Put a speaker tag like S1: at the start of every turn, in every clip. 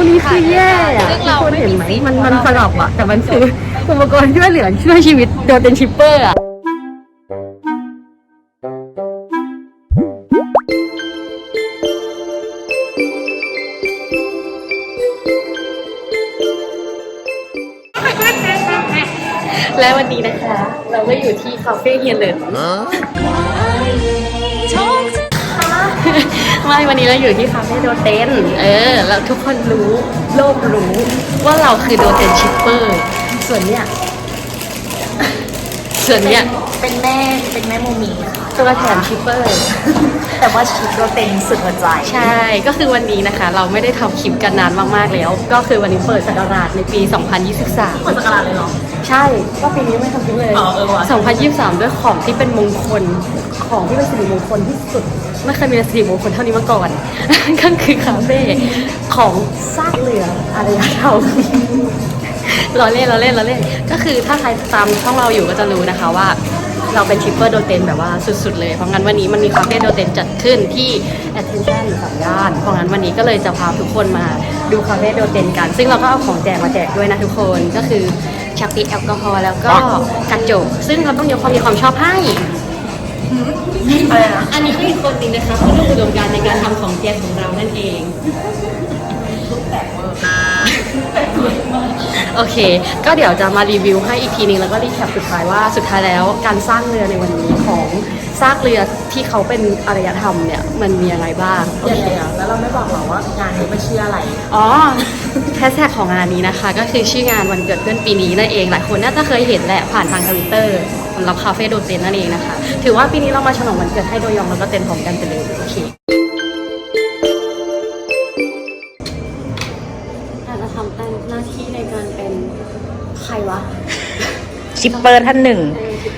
S1: นี้คือแย่อะทุกคนเห็นไหมมันสลับอะแต่มันคืออุปกรณ์ช่วยเหลือช่วยชีวิตโดยเป็นชิปเปอร์อะและวันนี้นะคะ เราก็อยู่ที่คาเฟ่เฮียเหลินไม่วันนี้เราอยู่ที่คาเฟ่โดเตนแล้วทุกคนรู้โลกรู้ว่าเราคือโดเตนชิปเปอร์ส่วนเนี้ย
S2: เป็นแม่โมมีค่ะ
S1: ตัวแถมชิปเปอร์
S2: แต่ว่าชิปเราเต็มสุดหัวใจ
S1: ใช่ก็คือวันนี้นะคะเราไม่ได้ทำคลิปกันนานมากๆแล้วก็คือวันนี้เปิดศักราชในปี 2023
S2: เปิดศักราชเลยเหรอ
S1: ใช่ก็ปีนี้ไม่ทำคลิปเลย2023 ด้วยของที่เป็นมงคลของที่เป็นสิริมงคลที่สุดไม่เคยมีสิริมงคลเท่านี้มาก่อน ก็คือคาเฟ่ของซากเรืออารยธรรมเราเล่นก็คือถ้าใครตามช่องเราอยู่ก็จะรู้นะคะว่าเราเป็นชิปเปอร์โดเตนแบบว่าสุดๆเลยเพราะงั้นวันนี้มันมีคาเฟ่โดเตนจัดขึ้นที่ Attention สามย่านเพราะงั้นวันนี้ก็เลยจะพาทุกคนมาดูคาเฟ่โดเตนกันซึ่งเราก็เอาของแจกมาแจกด้วยนะทุกคนก็คือชักปีแอลกอฮอล์แล้วก็กระจกซึ่งเราต้องยกความชอบให้อันนี้ก็อีกคนนึงนะคะผู้ร่วมอุดมการณ์ในการทำของแจกของเรานั่นเองโอเคก็เดี๋ยวจะมารีวิวให้อีกทีนึงแล้วก็รีแคปสุดท้ายว่าสุดท้ายแล้วการสร้างเรือในวันนี้ของซากเรือที่เขาเป็นอารยธรรมเนี่ยมันมีอะไรบ้าง
S2: เดี๋ยวแล้วเราไม่บอกหรอว่างานนี้มันชื่ออะไร
S1: อ๋อแฮชแท็กของงานนี้นะคะก็คือชื่องานวันเกิดเพื่อนปีนี้นั่นเองหลายคนน่าจะเคยเห็นแหละผ่านทาง Twitter สำหรับคาเฟ่โดเตนนั่นเองนะคะถือว่าปีนี้เรามาฉลองวันเกิดให้โดยองแล้วก็เต็นพร้อมกันไปเลยโอเคจะทำหน้าที่ในการเป็นใครวะ
S2: ชิปเปอร์ท่านหนึ่ง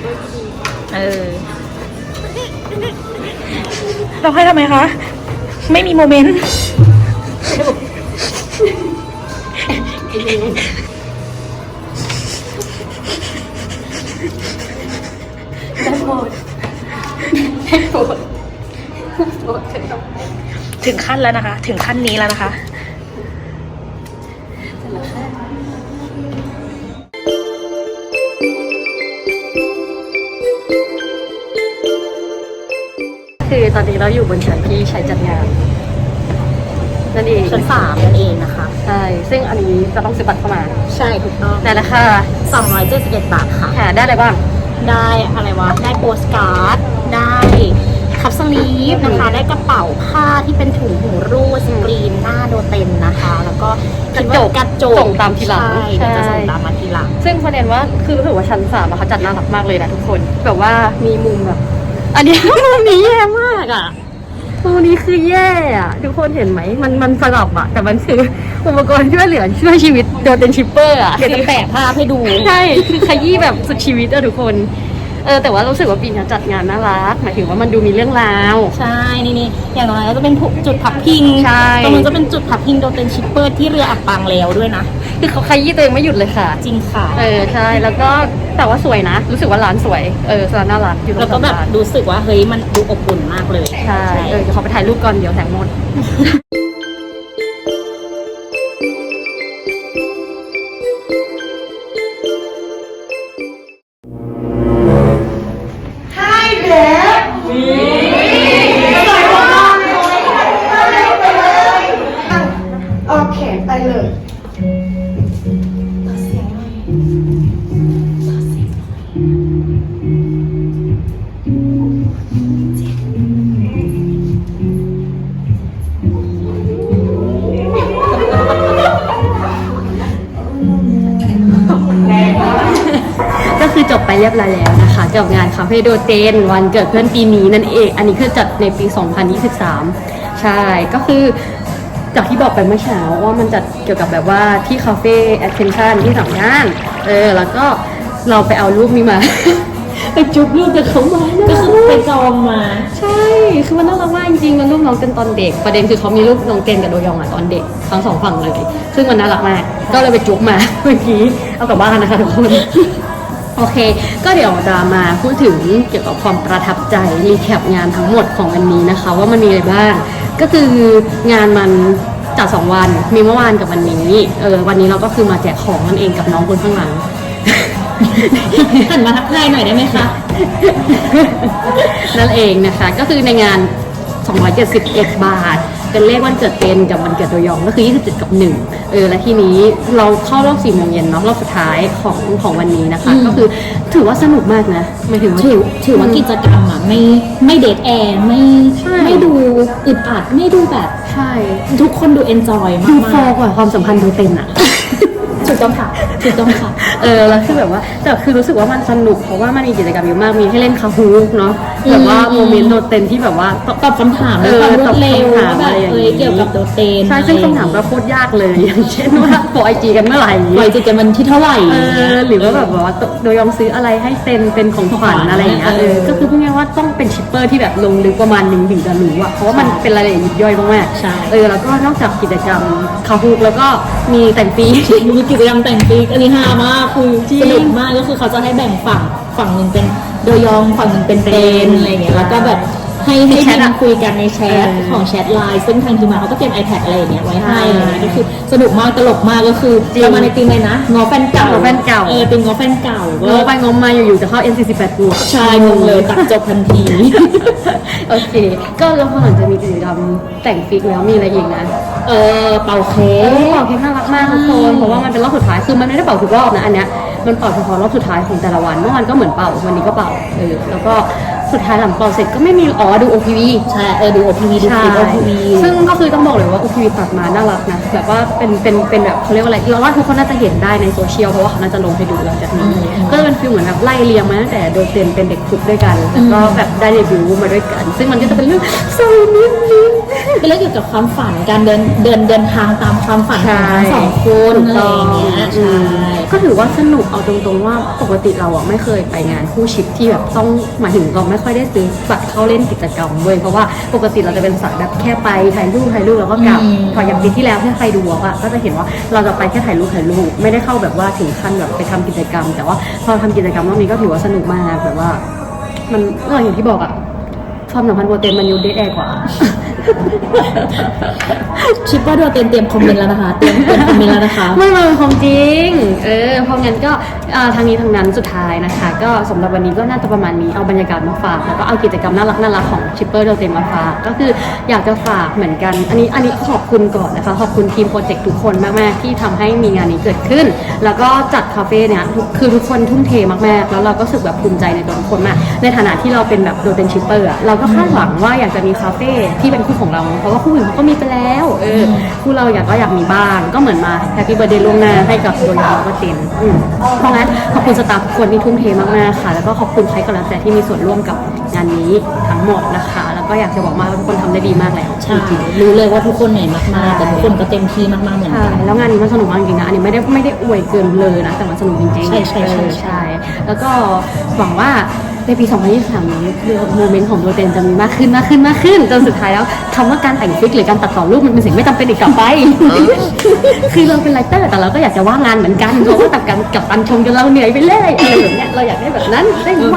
S2: เราให้ทำไมคะไม่มีโมเมนต์ถึงขั้นแล้วนะคะถึงขั้นนี้แล้วนะคะ
S1: คือตอนนี้เราอยู่บนชั้นที่ใช้จัดงานนั่นเอง
S2: ชั้น3นั่นเองนะคะ
S1: ใช่ซึ่งอันนี้จะต้องซื้อบัตรเข้ามา
S2: ใช่ถูกต้อง
S1: ในราคา
S2: 271 บาทค่ะ
S1: ได้อะไรบ้าง
S2: ได้อะไรวะได้โปสการ์ดได้คัพสลีฟนะคะได้กระเป๋าผ้าที่เป็นถุงหูรูดสกรีนหน้าโดเตนนะคะแล้วก็
S1: กระจกส่งตามทีหลัง
S2: ใช่จะส่งตามมาทีหลัง
S1: ซึ่งประเด็นว่าคือรู้สึกว่าชั้น3เขาจัดน่ารักมากเลยนะทุกคนแบบว่ามีมุมแบบอันนี้มุมนี้แย่มากอ่ะมุมนี้คือแย่อะทุกคนเห็นไหมมันสลับอะแต่มันคืออุปกรณ์ช่วยเหลือช่วยชีวิตโดยเป็นชิปเปอร์อะ
S2: เดี๋ยวจะแปะภาพให้ดู
S1: ใช่คือขยี้แบบสุดชีวิตอะทุกคนแต่ว่ารู้สึกว่าปีนี้จัดงานน่ารักหมายถึงว่ามันดูมีเรื่องราว
S2: ใช่นี่อย่างน้อยจะเป็นจุดพักพิง
S1: ใช่
S2: ตรงนี้จะเป็นจุดพักพิงโดเตนชิปเปอร์ที่เรืออับปางแล้วด้วยนะ
S1: คือเขาขยี้ตัวเองไม่หยุดเลยค่ะ
S2: จริงค่ะ
S1: ใช่แล้วก็แต่ว่าสวยนะรู้สึกว่าร้านสวยร้านน่ารักอยู่ตรง
S2: แล้วก็แบบรู้สึกว่าเฮ้ยมันดูอบอุ่นมากเลย
S1: ใช่เดี๋ยวเขาไปถ่ายรูปก่อนเดี๋ยวแสงหมดคือจบไปเรียบร้อยแล้วนะคะกับงานคาเฟ่โดเตนวันเกิดเพื่อนปีนี้นั่นเองอันนี้คือจัดในปี 2023 ใช่ก็คือจากที่บอกไปเมื่อเช้าว่ามันจัดเกี่ยวกับแบบว่าที่คาเฟ่ Attention ที่สามย่านแล้วก็เราไปเอารูปนี้มา ไปจุ๊บรูปกับเขามา
S2: ก็คือไปจองมา
S1: ใช่คือมันน่ารักมากจริงๆมันรูปน้องเต้นตอนเด็กประเด็นคือเขามีรูปน้องเต้นกับโดยองตอนเด็กทั้งสองฝั่งเลยซึ่งมันน่ารักมากก็เลยไปจุ๊บมาเมื่อกี้เอากลับบ้านนะคะทุกคนโอเคก็เดี๋ยวจะมาพูดถึงเกี่ยวกับความประทับใจรีแคปงานทั้งหมดของวันนี้นะคะว่ามันมีอะไรบ้างก็คืองานมันจัด2 วันมีเมื่อวานกับวันนี้วันนี้เราก็คือมาแจกของนั่นเองกับน้องคนข้างหลัง
S2: หันมาทักทายหน่อยได้ไหมคะ
S1: นั่นเองนะคะก็คือในงาน271 บาทเป็นเลขวันเกิดเต็นกับวันเกิดโดยองก็คือ27กับ1และทีนี้เราเข้ารอบ4 โมงเย็นเนาะรอบสุดท้ายของวันนี้นะคะก็คือถือว่าสนุกมากนะหมายถึงว่า
S2: ถือว่ากิจกรรมอ่ะไม่เดทแอร์ไม่ดูอึดอัดไม่ดูแบบ
S1: ใช่
S2: ทุกคนดูเอนจอยมาก
S1: ดูโฟกว่าความสัมพันธ์ดูเต็มอะ
S2: ถูกต้องค่ะถูกต้องค่ะ
S1: แล้วคือแบบว่าแต่คือรู้สึกว่ามันสนุกเพราะว่ามันมีกิจกรรมเยอะมากมีให้เล่นคาฮูกเนาะแบบว่าโมเมนต์โดดเต็นที่แบบว่า
S2: ตอบคำถามด้วยความรวดเร็ว
S1: ตอบคำถาม
S2: แบ
S1: อะไร
S2: บ
S1: อย่างนี้
S2: เกี่ยวกับโดดเต็น
S1: ใช่ซึ่งคำถามก็โคตรยากเลยอย่างเช่นว่าโปรไอจีกันเมื่อไหร่
S2: ปล่อยจิตกันวันที่เท่าไหร่
S1: หรือว่าแบบว่าโดยยอมซื้ออะไรให้เซ็นเป็นของขวัญอะไรอย่างเงี้ยก็คือพูดง่ายๆว่าต้องเป็นชิปเปอร์ที่แบบลงลึกประมาณนึงถึงจะรู้อะเพราะว่ามันเป็นรายละเอียดยิบย่อยมากๆ
S2: ใช่
S1: แล้วก็นอกจากกิจกรรมคาฮูกแล้วก็มีแต่งปี
S2: มีกิจกรรมแต่งปีกอันนี้ฮามากคือสนุกมากก็คือเขาจะให้แบ่งฝั่งหนึ่งเป็นโดยองฝั่งหนึ่งเป็นเตนอะไรอย่างเงี้ยแล้วก็แบบให้ทีมคุยกันในแชทของแชทไลน์ซึ่งทางทีมงานเขาก็เตรียม iPad อะไรอย่างเงี้ยไว้ให้อะไรเงี้ยก็คือสนุกมากตลกมากก็คือเรามาในทีมเลยนะงอแฟนเก่าทีมงอแฟนเก่าง
S1: อไปงอมาอยู่ๆจะเข้า N48 บวก
S2: ใช่งงเลยตัดจบทันที
S1: โอเคก็แล้วพอหลังจากมีกิจกรรมแต่งฟิกแล้วมีอะไรอีกนะ
S2: เป่าเค้ก
S1: เป่าเค้กน่ารักมากทุกคนเพราะว่ามันเป็นรอบสุดท้ายคือมันไม่ได้เป่าทุกรอบนะอันเนี้ยมันเป่าเฉพาะรอบสุดท้ายของแต่ละวันเมื่อวานก็เหมือนเป่าวันนี้ก็เป่าแล้วก็สุดท้ายหลังเป่าเสร็จก็ไม่มีดู OPV
S2: ใช่ดู OPV ดูคลิป OPV
S1: ซึ่งก็คือต้องบอกเลยว่า OPV ตัดมาน่ารักนะแบบว่าเป็นแบบเขาเรียกว่าอะไรเราว่าทุกคนน่าจะเห็นได้ในโซเชียลเพราะว่าเขาน่าจะลงให้ดูหลังจากนี้ก็เป็นฟีลเหมือนแบบไล่เรียงมาตั้งแต่โดยเป็นเด็กฝึกด้วยกันแล้วก็แบบได้เดบิวต์มาด้วยกันซึ่งมันก็จะเป็นเรื่องสนุกนิด
S2: เป็นเรื่องเกี่ยวกับความฝันการเดินทางตามความฝันของทั้งสองคนอะไรอย่างเงี้ยใช่
S1: ก็ถือว่าสนุกเอาตรงๆว่าปกติเราอ่ะไม่เคยไปงานคู่ชิปที่แบบต้องหมายถึงเราไม่ค่อยได้ซื้อบัตรเข้าเล่นกิจกรรมเว้ยเพราะว่าปกติเราจะเป็นสายแบบแค่ไปถ่ายรูปแล้วก็กลับพออย่างปีที่แล้วที่ใครดูอ่ะก็จะเห็นว่าเราจะไปแค่ถ่ายรูปไม่ได้เข้าแบบว่าถึงขั้นแบบไปทำกิจกรรมแต่ว่าพอทำกิจกรรมรอบนี้ก็ถือว่าสนุกมากแบบว่ามันอย่างที่บอกอ่ะความสัมพันธ์โปรเต็มมันยูเดทแอร์กว่า
S2: ชิปว่าดูเตรียมคอมเมนต์แล้วนะคะเตรียมคอมเมนต์แล้วนะคะ
S1: ไม่มาเป็นของจริงเพราะงั้นก็ทางนี้ทางนั้นสุดท้ายนะคะก็สำหรับวันนี้ก็น่าจะประมาณนี้เอาบรรยากาศมาฝากแล้วก็เอากิจกรรมน่ารักของชิปเปอร์โดเต็มมาฝากก็คืออยากจะฝากเหมือนกันอันนี้ขอบคุณก่อนนะคะขอบคุณทีมโปรเจกต์ทุกคนมากๆที่ทำให้มีงานนี้เกิดขึ้นแล้วก็จัดคาเฟ่เนี่ยคือทุกคนทุ่มเทมากๆแล้วเราก็รู้สึกแบบภูมิใจในตัวทุกคนมากในฐานะที่เราเป็นแบบโดเต็มชิปเปอร์เราก็คาดหวังว่าอยากจะมีคาเฟ่ที่เป็นคู่ของเราเพราะว่าคู่อื่นเขาก็มีไปแล้วคู่เราอยากมีบ้างก็เหมือนมาแฮปปี้เบิร์ธเดย์ล่วงหน้าให้กับโดยองก็เต็มเพราะงั้นขอบคุณสตาฟทุกคนที่ทุ่มเทมากๆค่ะแล้วก็ขอบคุณใครก็แล้วแต่ที่มีส่วนร่วมกับงานนี้ทั้งหมดนะคะแล้วก็อยากจะบอกว่าทุกคนทำได้ดีมากแล้ว
S2: ใช่รู้เลยว่าทุกคนเหนื่อยมากๆแต่ทุกคนก็เต็มที่มากๆเหมือนกัน
S1: แล้วงานนี้มันสนุกมากจริงๆนะอันนี้ไม่ได้อวยเกินเลยนะแต่มันสนุกจริงๆใช่แล้วก็หวังว่าในปี 2023 นี้โมเมนต์ของโดเต็นจะมีมากขึ้นจนสุดท้ายแล้วคำว่าการแต่งฟิกหรือการตัดต่อรูปมันเป็นสิ่งไม่จำเป็นอีกต่อไป คือเราเป็นไรเตอร์แต่เราก็อยากจะว่างงานเหมือนกันเพราะว่ากับตันชมจนเราเหนื่อยไปเลยอะไรแบบเนี้ยเราอยากได้แบบนั้นได้ไหม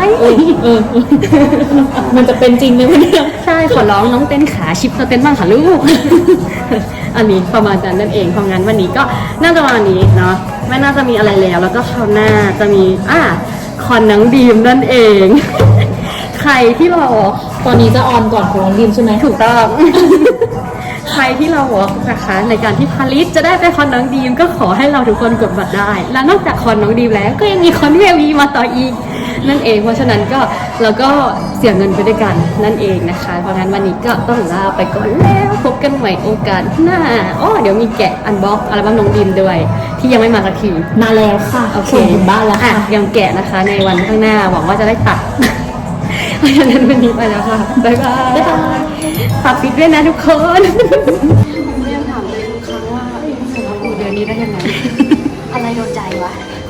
S2: มันจะเป็นจริงไหมเนี่ย
S1: ใช่ขอร้องน้องเต้นขาชิปเต้นบ้างค่ะลูก อันนี้ประมาณนั้นนั่นเองเพราะงั้นวันนี้ก็น่าจะประมาณนี้เนาะไม่น่าจะมีอะไรแล้วก็คราวหน้าจะมีคอนนังดีมนั่นเอง ใครที่รอ
S2: ตอนนี้จะออนก่อนของน้องดีมใช่ไหม
S1: ถูกต้อง ใครที่เราบอกนะคะในการที่พาริสจะได้ไปคอนน้องดีมก็ขอให้เราทุกคนกดบัตรได้และนอกจากคอนน้องดีมแล้วก็ยังมีคอนที่วีมาต่ออีกนั่นเองเพราะฉะนั้นก็เราก็เสียเงินไปด้วยกันนั่นเองนะคะเพราะงั้นวันนี้ก็ต้องลาไปก่อนแล้วพบกันใหม่โอกาสหน้าเดี๋ยวมีแกะอันบ็อกอัลบั้มน้องดีมด้วยที่ยังไม่มาสักที
S2: มาแล้วค่ะ
S1: โอเค
S2: ถึงบ้านแล้วค่ะ
S1: ยังแกะนะคะในวันข้างหน้าหวังว่าจะได้ตัดเพราะฉะนั้นวันนี้ไปแล้วค่ะบ๊ายบายฝากปิดด้วยนะทุกคนเรียนถามเลยทุกครั้งว่าสำหรับเดือนนี้ได้ยังไงอะไรโดนใจวะ